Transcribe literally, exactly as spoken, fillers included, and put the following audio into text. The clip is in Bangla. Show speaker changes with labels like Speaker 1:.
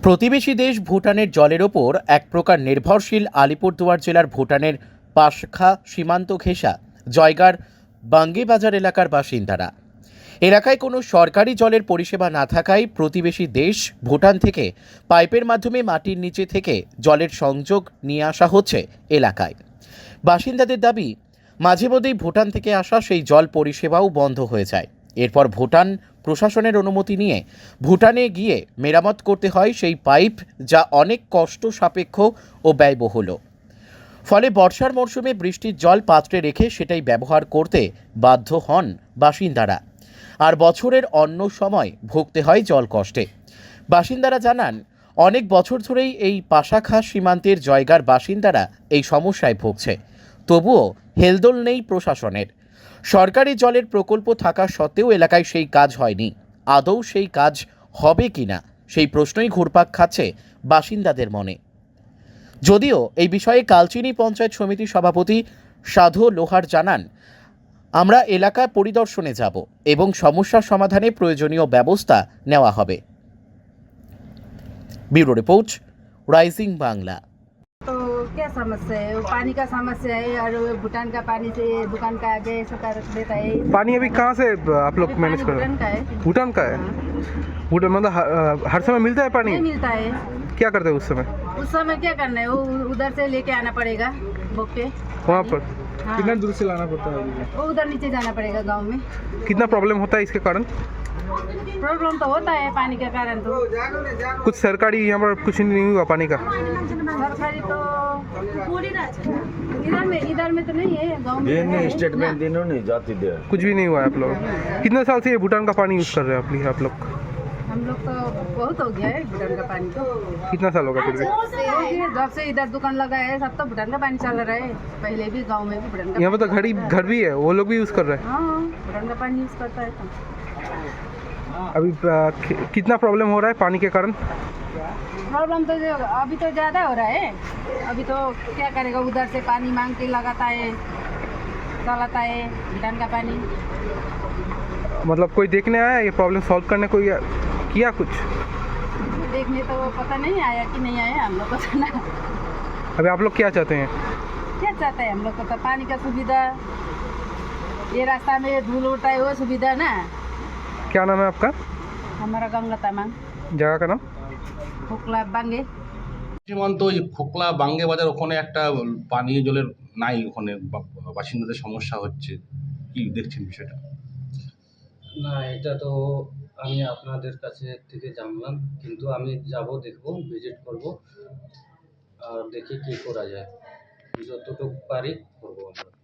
Speaker 1: প্রতিবেশী দেশ ভুটানের জলের ওপর এক প্রকার নির্ভরশীল আলিপুরদুয়ার জেলার ভুটানের পাশখা সীমান্ত ঘেঁষা জয়গার বাঙ্গিবাজার এলাকার বাসিন্দারা। এলাকায় কোনো সরকারি জলের পরিষেবা না থাকায় প্রতিবেশী দেশ ভুটান থেকে পাইপের মাধ্যমে মাটির নিচে থেকে জলের সংযোগ নিয়ে আসা হচ্ছে এলাকায়। বাসিন্দাদের দাবি, মাঝে মধ্যেই ভুটান থেকে আসা সেই জল পরিষেবাও বন্ধ হয়ে যায়। এরপর ভুটান প্রশাসনের অনুমতি নিয়ে ভুটানে গিয়ে মেরামত করতে হয় সেই পাইপ, যা অনেক কষ্ট সাপেক্ষ ও ব্যয়বহুল। ফলে বর্ষার মরশুমে বৃষ্টির জল পাত্রে রেখে সেটাই ব্যবহার করতে বাধ্য হন বাসিন্দারা, আর বছরের অন্য সময় ভুগতে হয় জল কষ্টে। বাসিন্দারা জানান, অনেক বছর ধরেই এই পাশাখা সীমান্তের জয়গার বাসিন্দারা এই সমস্যায় ভুগছে। তবুও হেলদোল নেই প্রশাসনের। সরকারি জলের প্রকল্প থাকা সত্ত্বেও এলাকায় সেই কাজ হয়নি। আদৌ সেই কাজ হবে কিনা সেই প্রশ্নই ঘুরপাক খাচ্ছে বাসিন্দাদের মনে। যদিও এই বিষয়ে কালচিনি পঞ্চায়েত সমিতির সভাপতি সাধু লোহার জানান, আমরা এলাকা পরিদর্শনে যাব এবং সমস্যার সমাধানে প্রয়োজনীয় ব্যবস্থা নেওয়া হবে। Bureau report, Rising Bangla.
Speaker 2: तो क्या समस्या है? वो पानी का समस्या है और वो भूटान का पानी से दुकान का आगे ऐसा कर देता है।
Speaker 3: पानी अभी कहाँ से आप लोग
Speaker 2: अभी
Speaker 3: मैनेज
Speaker 2: पानी
Speaker 3: कर रहे
Speaker 2: भूटान का है।
Speaker 3: हैं? भूटान का है। भूटान मतलब हर, हर समय मिलता है पानी?
Speaker 2: नहीं मिलता है।
Speaker 3: क्या करते हैं उस समय?
Speaker 2: उस समय क्या करना है, वो उधर से लेके आना पड़ेगा बुक पे।
Speaker 3: वहाँ पर
Speaker 2: हाँ।
Speaker 3: कितना दूर से लाना पड़ता है?
Speaker 2: वो उधर नीचे जाना पड़ेगा गांव में।
Speaker 3: कितना प्रॉब्लम होता है इसके कारण?
Speaker 2: प्रॉब्लम तो होता है पानी के कारण। तो
Speaker 3: कुछ सरकारी यहाँ पर कुछ नहीं हुआ पानी का?
Speaker 2: सरकारी तो इधर में इधर में तो नहीं है, गांव में तो है।
Speaker 4: स्टेटमेंट दिनों नहीं जाती दे।
Speaker 3: कुछ भी नहीं हुआ है आप लोग? कितने साल से ये भूटान का पानी यूज़ कर रहे हैं आप आप लोग?
Speaker 2: हम लोग तो बहुत हो गया है भूटान का पानी। तो
Speaker 3: कितना साल होगा फिर भी?
Speaker 2: जब से इधर दुकान लगा है सब तो भूटान का पानी चल रहा है। पहले भी गांव में भी भूटान का
Speaker 3: यहाँ पर तो घड़ी घर भी है, वो लोग भी यूज़ कर रहे हैं।
Speaker 2: हाँ, भूटान का पानी यूज करता है। तो
Speaker 3: अभी आ, कि- कितना प्रॉब्लम हो रहा है पानी के कारण?
Speaker 2: प्रॉब्लम तो जो अभी तो ज़्यादा हो रहा है। अभी तो क्या करेगा, उधर से पानी मांग के लगाता है, चलाता है भूटान का पानी।
Speaker 3: मतलब कोई देखने आया ये प्रॉब्लम सॉल्व करने को या किया कुछ?
Speaker 2: देखने तो पता नहीं आया कि नहीं आया, हम लोग को तो ना।
Speaker 3: अभी आप लोग क्या चाहते हैं?
Speaker 2: क्या चाहते हैं हम लोग को तो पानी का सुविधा, ये रास्ता में धूल उड़ता है वो सुविधा ना।
Speaker 3: क्या नाम है आपका?
Speaker 2: हमारा गंगा तामांग,
Speaker 3: जगह का नाम?
Speaker 2: हुकला बांगे।
Speaker 5: সীমান্ত ওই খোকলা বাঙ্গে বাজার ওখানে একটা পানীয় জলের নাই, ওখানে বা- বাসিন্দাদের সমস্যা হচ্ছে। কি দেখছেন বিষয়টা?
Speaker 6: না, এটা তো আমি আপনাদের কাছে থেকে জানলাম, কিন্তু আমি যাব, দেখব, ভিজিট করব, আর দেখি কি করা যায়, যতটুকু পারি করবো আমরা।